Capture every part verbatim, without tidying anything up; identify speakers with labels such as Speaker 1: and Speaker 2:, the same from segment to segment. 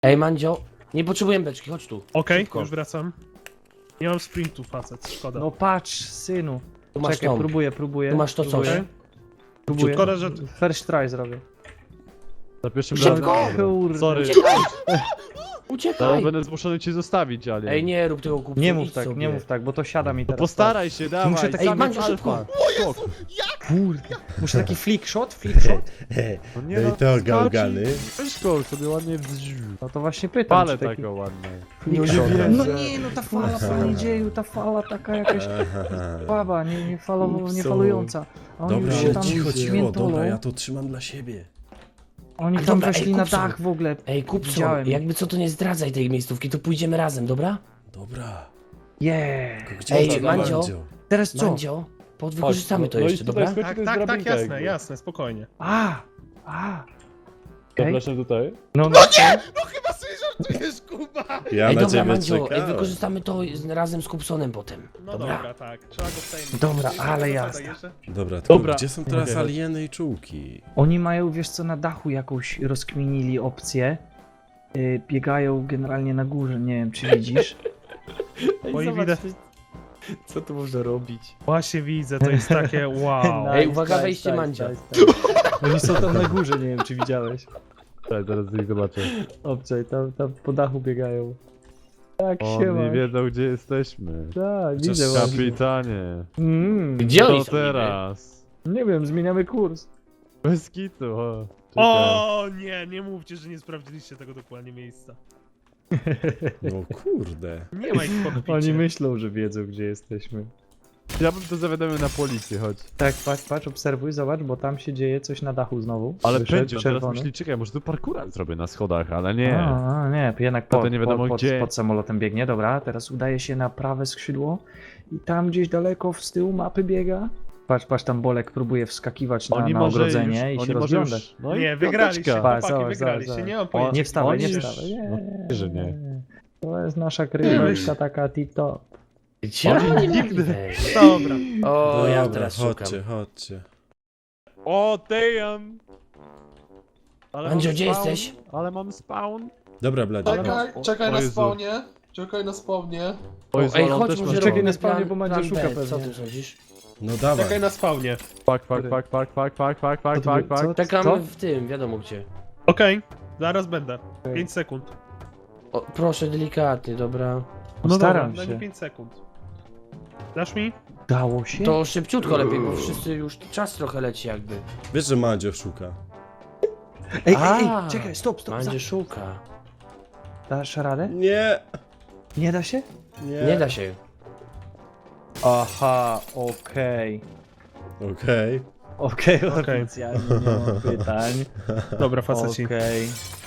Speaker 1: Ej, Mandzio, nie potrzebujemy beczki, chodź tu.
Speaker 2: Okej,
Speaker 1: Szybko.
Speaker 2: już wracam. Nie mam sprintu, facet, szkoda.
Speaker 3: No patrz, synu.
Speaker 1: Tu masz
Speaker 3: Czekaj,
Speaker 1: tą.
Speaker 3: próbuję, próbuję.
Speaker 1: Tu masz to coś.
Speaker 3: próbuję. Próbuję.
Speaker 2: Szkoda, że...
Speaker 3: First try zrobię.
Speaker 4: Za pierwszym
Speaker 1: Szybko!
Speaker 4: razem.
Speaker 3: Kurde.
Speaker 4: Sorry,
Speaker 1: Uciekaj!
Speaker 4: teraz
Speaker 1: Uciekaj!
Speaker 4: będę zmuszony cię zostawić, ale.
Speaker 1: Ej, nie rób tego kupca.
Speaker 3: Nie mów tak, nie mów tak, bo to siada mi
Speaker 4: No
Speaker 3: teraz.
Speaker 4: postaraj się, dawaj.
Speaker 3: Muszę tak-
Speaker 1: Ej,
Speaker 4: sam
Speaker 1: Mandzio,
Speaker 4: jest
Speaker 1: szybko!
Speaker 4: alfa. Skok.
Speaker 3: Kurde. Muszę taki flick shot, flick shot?
Speaker 4: No nie
Speaker 5: No i
Speaker 4: no,
Speaker 5: to
Speaker 4: starczy.
Speaker 5: gałgany.
Speaker 4: Weź go sobie ładnie wziu.
Speaker 3: No to właśnie pytam,
Speaker 4: Palę
Speaker 3: czy taki
Speaker 4: taką ładnie.
Speaker 3: flick
Speaker 1: Nie
Speaker 3: shot.
Speaker 1: wierzę.
Speaker 3: No nie, no ta fala, panie dzieju, ta fala taka jakaś
Speaker 5: Aha.
Speaker 3: słaba, nie, nie, falowo, nie
Speaker 5: Upso.
Speaker 3: falująca. A oni
Speaker 5: Dobra,
Speaker 3: już się
Speaker 5: ale
Speaker 3: tam
Speaker 5: cicho, cicho,
Speaker 3: świętolą.
Speaker 5: dobra, ja to trzymam dla siebie.
Speaker 3: Oni tam
Speaker 1: Dobra,
Speaker 3: weszli
Speaker 1: ej,
Speaker 3: na
Speaker 1: kupson.
Speaker 3: dach w ogóle.
Speaker 1: Ej, kupco,
Speaker 3: Widziałem.
Speaker 1: jakby co to nie zdradzaj tej miejscówki, to pójdziemy razem, dobra?
Speaker 5: Dobra.
Speaker 3: Yeah.
Speaker 5: Tylko gdzie
Speaker 1: Ej,
Speaker 5: to
Speaker 1: Mandzio.
Speaker 3: Teraz co?
Speaker 1: Mandzio, podwykorzystamy to jeszcze, dobra?
Speaker 2: Tak, tak, tak, jasne, jasne, spokojnie.
Speaker 3: A, a. Okej.
Speaker 4: Zapraszam tutaj.
Speaker 3: No, no nie!
Speaker 5: Ja
Speaker 1: Ej,
Speaker 5: na
Speaker 1: dobra,
Speaker 5: ciebie
Speaker 1: Mandzio, ej,
Speaker 5: czekałem.
Speaker 1: wykorzystamy to z- razem z Kupsonem potem.
Speaker 2: No
Speaker 1: Dobra?
Speaker 2: dobra, tak, trzeba go wtajemniczyć.
Speaker 3: Dobra,
Speaker 2: Jeszcze
Speaker 3: ale
Speaker 2: jedna
Speaker 3: jazda.
Speaker 2: zasada jeszcze?
Speaker 5: Dobra, tylko
Speaker 4: Dobra.
Speaker 5: gdzie są teraz
Speaker 4: Mogę dać.
Speaker 5: alieny i czułki?
Speaker 3: Oni mają, wiesz co, na dachu jakąś rozkminili opcję. Yy, biegają generalnie na górze, nie wiem czy widzisz.
Speaker 2: Oj, widać.
Speaker 1: Co tu można robić?
Speaker 2: Właśnie widzę, to jest takie wow.
Speaker 1: Ej, uwaga, wejście Mandzia.
Speaker 3: Oni są tam na górze, nie wiem czy widziałeś.
Speaker 4: Tak, zaraz ich zobaczę.
Speaker 3: Obczaj, tam, tam po dachu biegają. Tak się
Speaker 4: Oni
Speaker 3: ma.
Speaker 4: wiedzą, gdzie jesteśmy.
Speaker 3: Tak,
Speaker 5: Chociaż
Speaker 3: widzę właśnie.
Speaker 4: Kapitanie.
Speaker 3: Mm,
Speaker 1: Gdzie oni
Speaker 4: Co
Speaker 1: są
Speaker 4: teraz?
Speaker 3: nie wiem, zmieniamy kurs.
Speaker 4: Bez kitu, o. Czekaj.
Speaker 2: O nie, nie mówcie, że nie sprawdziliście tego dokładnie miejsca.
Speaker 5: No kurde.
Speaker 2: Nie ma ich w kokpicie.
Speaker 3: Oni myślą, że wiedzą gdzie jesteśmy.
Speaker 4: Ja bym to zawiadomił na policję, chodź.
Speaker 3: Tak, patrz, patrz, obserwuj, zobacz, bo tam się dzieje coś na dachu znowu.
Speaker 4: Ale
Speaker 3: Wyszedł
Speaker 4: pędził, teraz
Speaker 3: czerwony.
Speaker 4: myśli, czekaj, może tu parkura zrobię na schodach, ale nie.
Speaker 3: A, a, nie, jednak
Speaker 4: To
Speaker 3: pod,
Speaker 4: to nie wiadomo
Speaker 3: pod, pod,
Speaker 4: gdzie.
Speaker 3: pod samolotem biegnie, dobra, teraz udaje się na prawe skrzydło i tam gdzieś daleko z tyłu mapy biega. Patrz, patrz, tam Bolek próbuje wskakiwać na,
Speaker 4: Oni
Speaker 3: na
Speaker 4: może
Speaker 3: ogrodzenie
Speaker 4: już,
Speaker 3: i się
Speaker 4: oni może
Speaker 3: rozglądać.
Speaker 4: już, no i
Speaker 2: Nie, wygraliście,
Speaker 4: piąteczka.
Speaker 3: Patrz,
Speaker 2: chłopaki,
Speaker 3: zobacz,
Speaker 2: wygraliście,
Speaker 3: zobacz,
Speaker 2: nie mam
Speaker 4: O,
Speaker 2: pojęcia.
Speaker 3: Nie wstawaj, nie
Speaker 4: Oni już-
Speaker 3: wstawaj, nie,
Speaker 4: no, że nie.
Speaker 3: To jest nasza kryjówka taka tip-top.
Speaker 1: Gdzie oni nigdy.
Speaker 2: Dobra.
Speaker 1: O, ja
Speaker 5: Dobra,
Speaker 1: teraz szukam.
Speaker 5: chodźcie, chodźcie.
Speaker 4: O, damn! Ale
Speaker 1: Mandzio,
Speaker 4: mam
Speaker 1: gdzie
Speaker 4: spawn,
Speaker 1: jesteś?
Speaker 4: Ale mam spawn.
Speaker 5: Dobra, Bladzie.
Speaker 4: Ale-
Speaker 6: Czekaj,
Speaker 4: o-
Speaker 6: czekaj
Speaker 4: o
Speaker 6: na
Speaker 4: Jezu.
Speaker 6: spawnie. Czekaj na spawnie.
Speaker 4: O Jezu,
Speaker 1: Ej,
Speaker 4: ale on
Speaker 1: chodź,
Speaker 4: też
Speaker 1: może
Speaker 4: ma
Speaker 3: Czekaj
Speaker 1: robimy
Speaker 3: na spawnie,
Speaker 1: plan-
Speaker 3: bo Mandzio
Speaker 1: plan
Speaker 3: szuka
Speaker 1: B. Co
Speaker 3: pewnie.
Speaker 1: ty sądzisz?
Speaker 5: No dawaj.
Speaker 2: Czekaj na spawnie.
Speaker 4: Pak, pak, pak, pak, pak, pak, pak, pak, pak, pak.
Speaker 3: Co?
Speaker 1: Czekamy w tym, wiadomo gdzie.
Speaker 2: Okej, zaraz będę. pięć sekund.
Speaker 1: O, proszę, delikatnie, dobra.
Speaker 2: No
Speaker 3: Staram
Speaker 2: dobra, daj
Speaker 3: się.
Speaker 2: mi pięć sekund. Dasz mi?
Speaker 3: Dało się?
Speaker 1: To szybciutko lepiej, bo wszyscy już czas trochę leci jakby.
Speaker 5: Wiesz, że Mandzio szuka.
Speaker 3: Ej, ej, ej,
Speaker 1: A,
Speaker 3: czekaj, stop, stop,
Speaker 1: Mandzio
Speaker 3: stop.
Speaker 1: szuka.
Speaker 3: Dasz radę?
Speaker 5: Nie,
Speaker 3: Nie da się?
Speaker 5: nie.
Speaker 1: Nie da się.
Speaker 3: Aha, okej.
Speaker 5: Okej.
Speaker 3: Okej,
Speaker 2: Okej.
Speaker 3: oficjalnie nie mam pytań.
Speaker 2: Dobra, faceci.
Speaker 3: Okej.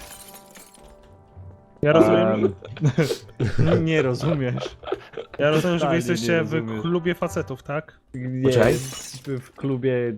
Speaker 2: Ja rozumiem,
Speaker 3: Um, nie rozumiesz.
Speaker 2: ja rozumiem, że wy
Speaker 3: totalnie
Speaker 2: jesteście
Speaker 3: nie
Speaker 2: w
Speaker 3: rozumiesz.
Speaker 2: klubie facetów, tak?
Speaker 3: Nie,
Speaker 1: Poczekaj.
Speaker 3: jesteśmy w klubie...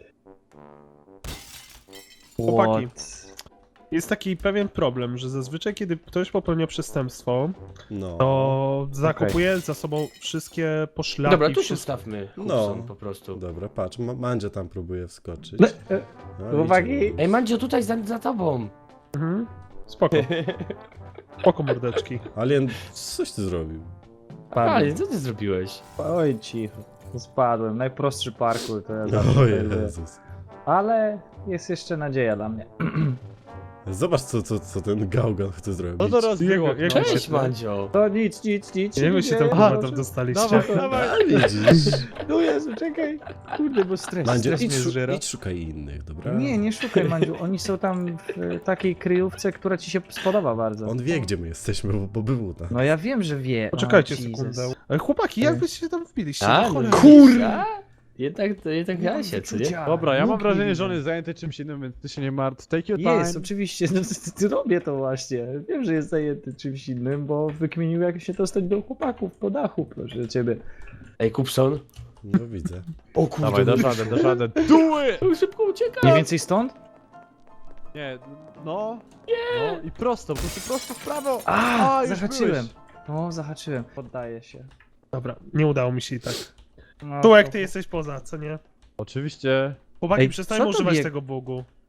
Speaker 2: Chłopaki.
Speaker 3: What?
Speaker 2: Jest taki pewien problem, że zazwyczaj kiedy ktoś popełnia przestępstwo,
Speaker 5: No.
Speaker 2: to zakopuje za sobą wszystkie poszlaki.
Speaker 1: Dobra, tu się
Speaker 2: wszystko.
Speaker 1: stawmy.
Speaker 5: No.
Speaker 1: No. Po prostu.
Speaker 5: Dobra, patrz, Ma- Mandzio tam próbuje wskoczyć.
Speaker 3: No, e,
Speaker 5: No,
Speaker 3: chłopaki.
Speaker 5: idzie.
Speaker 1: Ej, Mandzio, tutaj za, za tobą.
Speaker 2: Mhm. Spoko. Spoko, mordeczki.
Speaker 5: Alien, coś ty zrobił?
Speaker 1: Ale co ty zrobiłeś?
Speaker 3: Oj, cicho. Spadłem. Najprostszy parkour to ja
Speaker 5: O
Speaker 3: zawsze lubię.
Speaker 5: Jezus.
Speaker 3: Ale jest jeszcze nadzieja dla mnie.
Speaker 5: Zobacz, co, co, co ten gałgan chce zrobić.
Speaker 4: No to rozbiło.
Speaker 2: Jak- jak-
Speaker 4: no.
Speaker 1: Cześć, Mandzio.
Speaker 3: To nic, nic, nic.
Speaker 2: Jak wy się tam
Speaker 3: nie,
Speaker 2: kurwa
Speaker 3: proszę.
Speaker 2: tam dostaliście?
Speaker 4: Dawaj, dawaj.
Speaker 5: A, widzisz?
Speaker 3: No Jezu, czekaj. Kurde, bo stres,
Speaker 5: Mandzio,
Speaker 3: stres
Speaker 5: idź,
Speaker 3: mnie
Speaker 5: szu-
Speaker 3: zżera.
Speaker 5: idź szukaj innych, dobra?
Speaker 3: Nie, nie szukaj, Mandziu. Oni są tam w e, takiej kryjówce, która ci się spodoba bardzo.
Speaker 5: On wie, gdzie my jesteśmy, bo, bo był tam.
Speaker 3: No ja wiem, że wie.
Speaker 2: Poczekajcie
Speaker 3: O, Jesus.
Speaker 2: sekundę. Ale chłopaki, jak wyście się tam wbiliście?
Speaker 1: A,
Speaker 2: No
Speaker 1: no
Speaker 2: cholera.
Speaker 1: Kurwa! Jednak, to jednak ja się, co nie?
Speaker 3: Wyczucia.
Speaker 4: Dobra, ja mam
Speaker 3: Nóg
Speaker 4: wrażenie,
Speaker 3: nie
Speaker 4: że on
Speaker 3: widzę.
Speaker 4: jest zajęty czymś innym, więc ty się nie martw. Take your time.
Speaker 3: Jest, oczywiście. No, ty- ty robię to właśnie. Wiem, że jest zajęty czymś innym, bo wykminił, jak się dostać do chłopaków po dachu, proszę ciebie.
Speaker 1: Ej, Kupson.
Speaker 5: No widzę.
Speaker 1: O kurde.
Speaker 4: Dawaj, dasz radę, dasz radę. Do it!
Speaker 1: Szybko uciekaj.
Speaker 3: Mniej więcej stąd?
Speaker 4: Nie, no. No i prosto, po prostu prosto w prawo.
Speaker 3: A,
Speaker 4: A, już
Speaker 3: zahaczyłem.
Speaker 4: byłeś.
Speaker 3: No, zahaczyłem. Poddaję się.
Speaker 2: Dobra, nie udało mi się i tak.
Speaker 3: No,
Speaker 2: Tułek,
Speaker 3: to-
Speaker 2: ty jesteś poza, co nie?
Speaker 4: Oczywiście.
Speaker 2: Chłopaki,
Speaker 3: Ej,
Speaker 2: przestańmy
Speaker 3: co to
Speaker 2: używać
Speaker 3: bieg-
Speaker 2: tego bugu.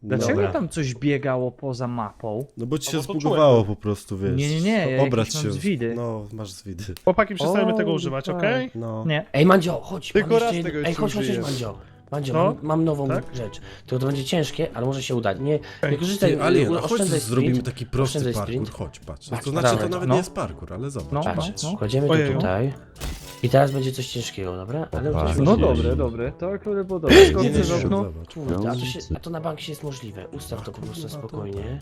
Speaker 3: Dlaczego
Speaker 1: Dobra.
Speaker 3: tam coś biegało poza mapą?
Speaker 5: No bo ci
Speaker 2: A
Speaker 5: się
Speaker 2: bo to
Speaker 5: zbugowało po prostu, wiesz.
Speaker 3: Nie, nie, nie, ja
Speaker 5: Obrać
Speaker 3: jakieś
Speaker 5: się.
Speaker 3: mam zwidy.
Speaker 5: No, masz zwidy.
Speaker 2: Chłopaki, przestajemy
Speaker 3: O,
Speaker 2: tego używać,
Speaker 3: tak.
Speaker 2: okej?
Speaker 5: No.
Speaker 3: Nie.
Speaker 1: Ej, Mandzio, chodź.
Speaker 4: Tylko
Speaker 1: mam jeszcze
Speaker 4: raz
Speaker 1: jedno-
Speaker 4: tego
Speaker 1: Ej,
Speaker 4: jeszcze
Speaker 1: chodź, chodź, chodź,
Speaker 4: użyjesz.
Speaker 1: Mandzio. Mandzio,
Speaker 2: No?
Speaker 1: mam, mam nową
Speaker 2: Tak?
Speaker 1: rzecz. To, to będzie ciężkie, ale może się udać. Nie, nie
Speaker 2: Ej,
Speaker 1: korzystaj,
Speaker 5: Ty, Alien, a chodź
Speaker 1: oszczędzaj
Speaker 5: zrobimy
Speaker 1: sprint.
Speaker 5: taki prosty
Speaker 1: Oszczędzaj
Speaker 5: parkour.
Speaker 1: sprint.
Speaker 5: Chodź, patrz.
Speaker 1: Patrz,
Speaker 5: To znaczy,
Speaker 1: dawaj,
Speaker 5: to nawet
Speaker 3: no.
Speaker 5: nie jest parkour, ale zobacz.
Speaker 3: No,
Speaker 1: Patrz,
Speaker 3: no.
Speaker 1: kładziemy to
Speaker 2: Ojeju.
Speaker 1: tutaj. I teraz będzie coś ciężkiego, dobra? Ale
Speaker 5: Opa,
Speaker 1: coś
Speaker 5: no
Speaker 3: No
Speaker 1: możliwe.
Speaker 3: dobre, dobre. To akurat było dobre.
Speaker 1: Nie,
Speaker 3: Skąd
Speaker 1: nie,
Speaker 3: chcesz
Speaker 1: nie,
Speaker 3: okno?
Speaker 5: Zobacz.
Speaker 1: Kurde, a to, się, a to na bank jest możliwe. Ustaw to po prostu spokojnie.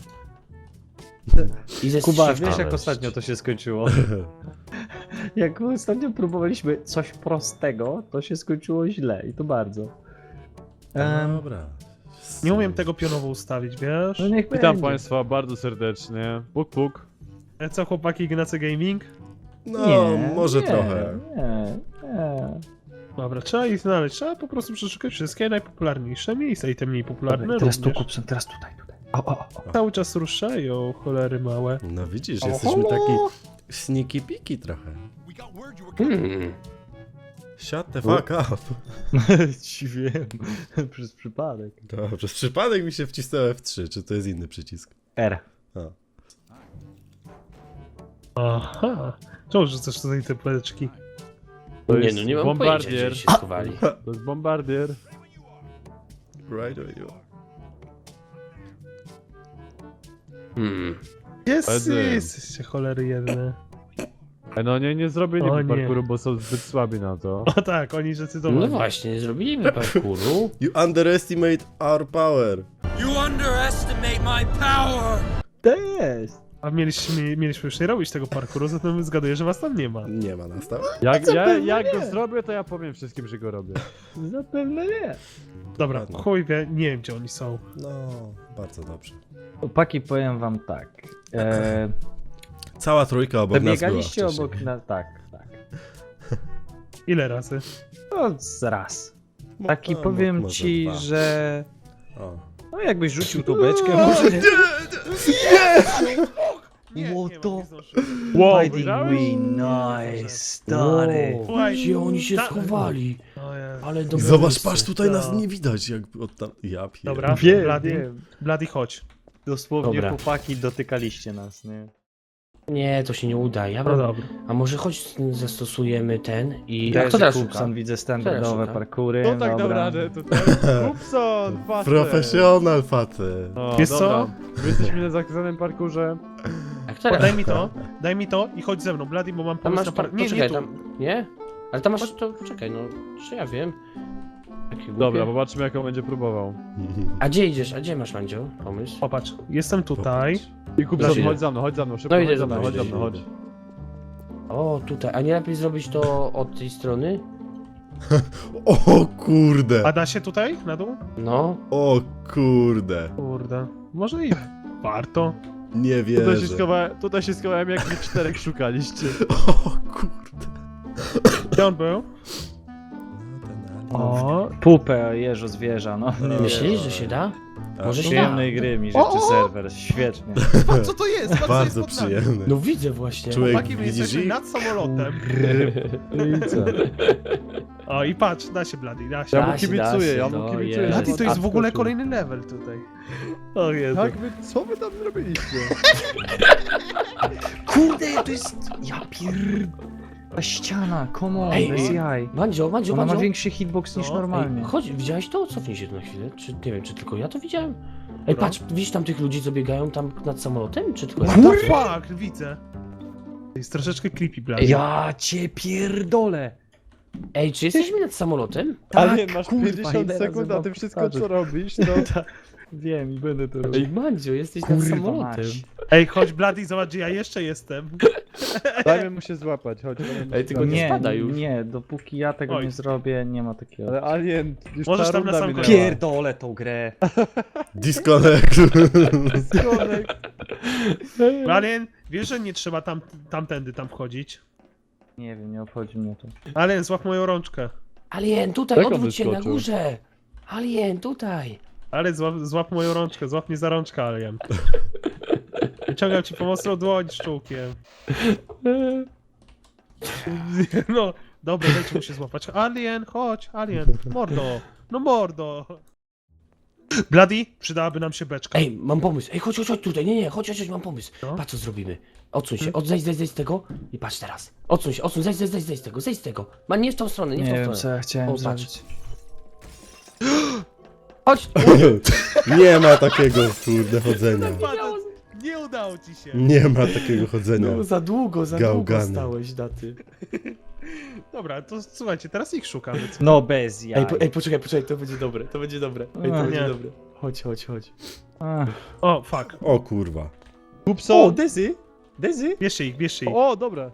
Speaker 1: I ze
Speaker 3: Kuba,
Speaker 1: shifta
Speaker 3: wiesz jak
Speaker 1: weź.
Speaker 3: ostatnio to się skończyło? Jak ostatnio próbowaliśmy coś prostego, to się skończyło źle i to bardzo. Em,
Speaker 5: Dobra.
Speaker 2: Nie umiem tego pionowo ustawić, wiesz?
Speaker 3: no niech
Speaker 4: Witam
Speaker 3: będzie.
Speaker 4: państwa bardzo serdecznie. Puk puk.
Speaker 2: E, Co, chłopaki, Ignacy Gaming?
Speaker 5: No,
Speaker 3: Nie,
Speaker 5: może
Speaker 3: nie,
Speaker 5: trochę.
Speaker 3: Nie, nie.
Speaker 2: Dobra, trzeba ich znaleźć, trzeba po prostu przeszukać wszystkie najpopularniejsze miejsca i te mniej popularne
Speaker 3: Dobra, teraz tu
Speaker 2: również.
Speaker 3: Kupson, teraz tutaj, tutaj. O, o, o.
Speaker 2: Cały czas ruszają, cholery małe.
Speaker 5: No widzisz,
Speaker 3: O,
Speaker 5: jesteśmy
Speaker 3: halo.
Speaker 5: taki sneaky piki trochę.
Speaker 1: Hmm.
Speaker 5: Shut the fuck up.
Speaker 3: Ci wiem, przez przypadek.
Speaker 5: Dobrze, przez przypadek mi się wcisnął F trzy, czy to jest inny przycisk?
Speaker 3: R.
Speaker 5: A.
Speaker 2: Aha. Czemu rzucasz tutaj te pleczki?
Speaker 4: To
Speaker 1: Nie
Speaker 4: jest
Speaker 1: no, nie mam
Speaker 4: bombardier.
Speaker 1: pojęcia, gdzie się schowali.
Speaker 4: To jest bombardier.
Speaker 5: Right on you.
Speaker 1: Hmm.
Speaker 2: Jest,
Speaker 4: Wtedy.
Speaker 2: jesteście cholery jedne.
Speaker 4: E, No nie, nie zrobili
Speaker 2: O
Speaker 4: mi
Speaker 2: nie.
Speaker 4: parkouru, bo są zbyt słabi na to.
Speaker 2: O tak, oni zdecydowali.
Speaker 1: No właśnie, zrobiliśmy parkouru.
Speaker 5: You underestimate our power.
Speaker 3: To jest.
Speaker 2: A mieliśmy, mieliśmy już nie robić tego parkouru, zatem zgaduję, że was tam nie ma.
Speaker 5: Nie ma nas tam.
Speaker 4: Jak, ja,
Speaker 3: zapewne
Speaker 4: jak
Speaker 3: nie.
Speaker 4: go zrobię, to ja powiem wszystkim, że go robię.
Speaker 3: Zapewne nie.
Speaker 2: Dobra,
Speaker 5: Ładnie.
Speaker 2: chuj wie, nie wiem gdzie oni są.
Speaker 5: No, bardzo dobrze.
Speaker 3: Chłopaki, powiem wam tak. E,
Speaker 5: Cała trójka obok nas była
Speaker 3: Wybiegaliście
Speaker 5: wcześniej.
Speaker 3: obok na... Tak, tak.
Speaker 2: Ile razy?
Speaker 3: No, z raz.
Speaker 5: Mo-
Speaker 3: Taki
Speaker 5: a, mo-
Speaker 3: powiem
Speaker 5: może
Speaker 3: ci,
Speaker 5: dwa.
Speaker 3: że...
Speaker 5: O.
Speaker 3: No jakbyś rzucił tą beczkę, może nie...
Speaker 2: Nie,
Speaker 3: What
Speaker 2: nie
Speaker 3: the-
Speaker 2: ma, nie zdążyłem.
Speaker 4: Wow,
Speaker 3: Fighting
Speaker 4: widziałeś?
Speaker 3: we, nice, stary.
Speaker 1: Wow,
Speaker 2: Słuchaj,
Speaker 1: gdzie oni się
Speaker 2: ta-
Speaker 1: schowali?
Speaker 2: O Jezu.
Speaker 1: Ale dobre
Speaker 5: Zobacz,
Speaker 1: miejsce.
Speaker 5: patrz, tutaj nas
Speaker 2: No.
Speaker 5: nie widać, jak od tam... Ja pier...
Speaker 2: Dobra,
Speaker 3: Wiem,
Speaker 2: Bloody,
Speaker 3: wiem.
Speaker 2: Bloody chodź.
Speaker 3: Dosłownie
Speaker 1: Dobra.
Speaker 3: chłopaki dotykaliście nas, nie?
Speaker 1: Nie, to się nie uda. Ja
Speaker 2: No
Speaker 1: bym...
Speaker 2: dobra.
Speaker 1: A może chodź zastosujemy ten i... A
Speaker 3: Też
Speaker 1: kto teraz
Speaker 3: Kupson,
Speaker 1: szuka?
Speaker 3: widzę standardowe
Speaker 1: szuka?
Speaker 3: parkury.
Speaker 4: To tak dał
Speaker 3: dobra.
Speaker 4: radę tutaj. Kupson, facet.
Speaker 5: Profesjonal facet.
Speaker 4: O,
Speaker 2: Wiesz
Speaker 4: dobra.
Speaker 2: co?
Speaker 4: My jesteśmy na zakazanym parkurze.
Speaker 1: A kto teraz
Speaker 2: Daj mi
Speaker 1: szuka?
Speaker 2: to, daj mi to i chodź ze mną, Bloody, bo mam
Speaker 1: Tam
Speaker 2: pomysł
Speaker 1: masz...
Speaker 2: na
Speaker 1: Tam,
Speaker 2: par... Nie,
Speaker 1: poczekaj,
Speaker 2: nie tu.
Speaker 1: tam... Nie? Ale tam masz... To poczekaj, no... Czy ja wiem? Takie głupie.
Speaker 4: Dobra, zobaczymy jak on będzie próbował.
Speaker 1: A gdzie idziesz? A gdzie masz, Mandzio? Pomysł?
Speaker 2: Popatrz, jestem tutaj.
Speaker 4: I Kupson,
Speaker 1: Dobra.
Speaker 4: chodź za mną, chodź za mną, szybko,
Speaker 1: No idę
Speaker 4: chodź
Speaker 1: za
Speaker 4: za mną,
Speaker 1: tobą,
Speaker 4: chodź za
Speaker 1: idę,
Speaker 4: mną,
Speaker 5: idę.
Speaker 4: chodź.
Speaker 1: O, tutaj. A nie lepiej zrobić to od tej strony?
Speaker 5: O kurde.
Speaker 2: A da się tutaj, na dół?
Speaker 1: No.
Speaker 5: O kurde.
Speaker 2: Kurde. Może i warto.
Speaker 5: Nie
Speaker 4: Tutaj się,
Speaker 5: wierzę.
Speaker 4: schowałem, tutaj się schowałem jak wy czterech szukaliście.
Speaker 5: O kurde.
Speaker 2: Gdzie on był?
Speaker 5: No, ten alien.
Speaker 2: O,
Speaker 3: Pupę jeżo zwierza, no. Nie
Speaker 1: Myślisz,
Speaker 3: wiem.
Speaker 1: że się da?
Speaker 5: A,
Speaker 1: Może się
Speaker 3: Przyjemnej gry mi życzy serwer, świetnie.
Speaker 6: Patrz co to jest, patrz co
Speaker 5: Bardzo
Speaker 6: jest pod nami.
Speaker 5: przyjemny.
Speaker 1: No widzę właśnie.
Speaker 5: Człowiek,
Speaker 2: chłopaki, my
Speaker 5: widzisz
Speaker 2: jesteśmy
Speaker 5: ich?
Speaker 2: nad samolotem.
Speaker 3: I co?
Speaker 2: O, i patrz, da się, Bloody, da się.
Speaker 4: Ja mu
Speaker 1: Da się, da
Speaker 4: kibicuję,
Speaker 1: się,
Speaker 4: ja mu
Speaker 1: no
Speaker 4: kibicuję.
Speaker 1: jest.
Speaker 2: Bloody, to jest w ogóle
Speaker 4: Odskoczył.
Speaker 2: kolejny level tutaj.
Speaker 3: O Jezu.
Speaker 4: Jak wy, co wy tam zrobiliście?
Speaker 3: Kurde, to jest... Ja pier... Ta ściana, come on,
Speaker 1: Ej,
Speaker 3: bez
Speaker 1: ej.
Speaker 3: jaj.
Speaker 1: Mandzio, Mandzio,
Speaker 3: Ona ma
Speaker 1: Mandzio.
Speaker 3: większy hitbox niż
Speaker 2: No,
Speaker 3: normalnie.
Speaker 1: Ej, chodź, widziałeś to? Cofnij się tu na chwilę. Czy nie wiem, czy tylko ja to widziałem? Ej,
Speaker 2: Dobra.
Speaker 1: patrz, widzisz tam tych ludzi, co biegają tam nad samolotem? Czy tylko ja?
Speaker 2: What the fuck, widzę. To jest troszeczkę creepy, Bloody.
Speaker 3: Ja cię pierdolę.
Speaker 1: Ej, czy jesteśmy nad samolotem?
Speaker 4: Ale
Speaker 3: Tak,
Speaker 4: masz
Speaker 3: kurwa,
Speaker 4: pięćdziesiąt
Speaker 3: ile
Speaker 4: sekund,
Speaker 3: razy
Speaker 4: a ty
Speaker 3: mam
Speaker 4: wszystko
Speaker 3: powtarzać?
Speaker 4: co robisz, to...
Speaker 3: Wiem i będę to
Speaker 1: Ej,
Speaker 3: robił.
Speaker 1: Mandzio, jesteś nad
Speaker 3: Kurwa
Speaker 1: samolotem.
Speaker 3: mać.
Speaker 2: Ej, chodź, Bloody, zobacz, gdzie ja jeszcze jestem.
Speaker 4: Dajmy mu się złapać, chodź. dajmy mu
Speaker 1: Ej,
Speaker 4: się
Speaker 1: tylko nie
Speaker 3: Nie,
Speaker 1: spada już.
Speaker 3: nie, dopóki ja tego
Speaker 2: Oj.
Speaker 3: nie zrobię, nie ma takiego.
Speaker 4: Ale Alien, już
Speaker 2: Możesz
Speaker 4: ta
Speaker 2: tam na
Speaker 4: runda
Speaker 2: sam
Speaker 4: minęła.
Speaker 2: koniec.
Speaker 3: Pierdolę tą grę.
Speaker 5: Disconnect.
Speaker 4: Disconnect.
Speaker 2: Alien, wiesz, że nie trzeba tam, tamtędy tam wchodzić?
Speaker 3: Nie wiem, nie obchodzi mnie to.
Speaker 2: Alien, złap moją rączkę.
Speaker 1: Alien, tutaj,
Speaker 4: Jak on
Speaker 1: odwróć się na
Speaker 4: wyskoczył?
Speaker 1: górze. Alien, tutaj.
Speaker 2: Ale złap, złap moją rączkę, złap mnie za rączkę, Alien. Wyciągam ci pomocną dłoń szczółkiem. No, dobra, dajcie mu się złapać. Alien, chodź, Alien, mordo, no mordo. Bloody, przydałaby nam się beczka.
Speaker 1: Ej, mam pomysł. Ej, chodź, chodź, chodź tutaj. Nie, nie, chodź, chodź, chodź, mam pomysł.
Speaker 2: No.
Speaker 1: Patrz co zrobimy. Odsuń się,
Speaker 2: Hmm?
Speaker 1: od, zejdź, zejdź, zejdź z tego i patrz teraz. Odsuń się, odsuń, zejdź, zejdź, zejdź, zejdź z tego, zejdź z tego. Ma nie w tą stronę, nie w
Speaker 3: Nie
Speaker 1: tą
Speaker 3: wiem, co
Speaker 1: stronę.
Speaker 3: ja chciałem
Speaker 1: O, patrz.
Speaker 3: zrobić.
Speaker 1: Chodź!
Speaker 5: Nie ma takiego, kurde, chodzenia.
Speaker 2: Nie udało ci się.
Speaker 5: Nie ma takiego chodzenia.
Speaker 1: No, za długo, za
Speaker 5: Gałgany.
Speaker 1: długo stałeś, daty.
Speaker 2: Dobra, to słuchajcie, teraz ich szukamy. Co?
Speaker 3: No bez jaj.
Speaker 1: Ej, po, ej, poczekaj, poczekaj, to będzie dobre, to będzie dobre. Ej, to
Speaker 3: A,
Speaker 1: będzie
Speaker 2: nie.
Speaker 1: dobre. Chodź, chodź, chodź.
Speaker 3: Ach.
Speaker 2: O, fuck.
Speaker 5: O kurwa.
Speaker 3: O,
Speaker 4: Kupson!
Speaker 3: Dezy! Dezy?
Speaker 2: Bierzcie ich, bierzcie ich.
Speaker 4: O, dobra.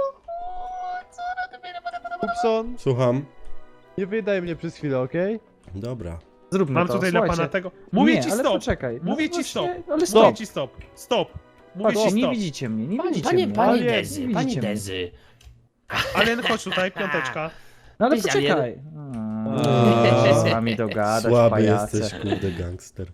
Speaker 4: Kupson,
Speaker 5: Słucham?
Speaker 4: nie wydaj mnie przez chwilę, okej?
Speaker 5: Dobra.
Speaker 3: Zróbmy
Speaker 2: Mam
Speaker 3: to,
Speaker 2: tutaj dla
Speaker 3: słuchajcie.
Speaker 2: pana tego. Mówię
Speaker 3: nie,
Speaker 2: ci
Speaker 3: ale
Speaker 2: stop.
Speaker 3: poczekaj.
Speaker 2: Mówię
Speaker 3: no
Speaker 2: ci stop.
Speaker 3: właśnie, Ale
Speaker 2: Mówię
Speaker 3: stop.
Speaker 2: ci stop. Stop. Mówię
Speaker 3: Patrzcie,
Speaker 2: ci
Speaker 3: nie
Speaker 2: stop.
Speaker 3: widzicie mnie, nie
Speaker 1: Panie,
Speaker 3: widzicie
Speaker 1: panie,
Speaker 3: mnie.
Speaker 1: panie
Speaker 3: Ale
Speaker 1: Dezy,
Speaker 3: nie
Speaker 1: panie
Speaker 3: widzicie mnie.
Speaker 1: Dezy.
Speaker 2: Alien, chodź tutaj, piąteczka.
Speaker 3: No ale
Speaker 1: Cześć,
Speaker 3: poczekaj.
Speaker 5: A,
Speaker 3: A, z wami dogadać,
Speaker 5: Słaby
Speaker 3: pajace.
Speaker 5: jesteś, kurde, gangster.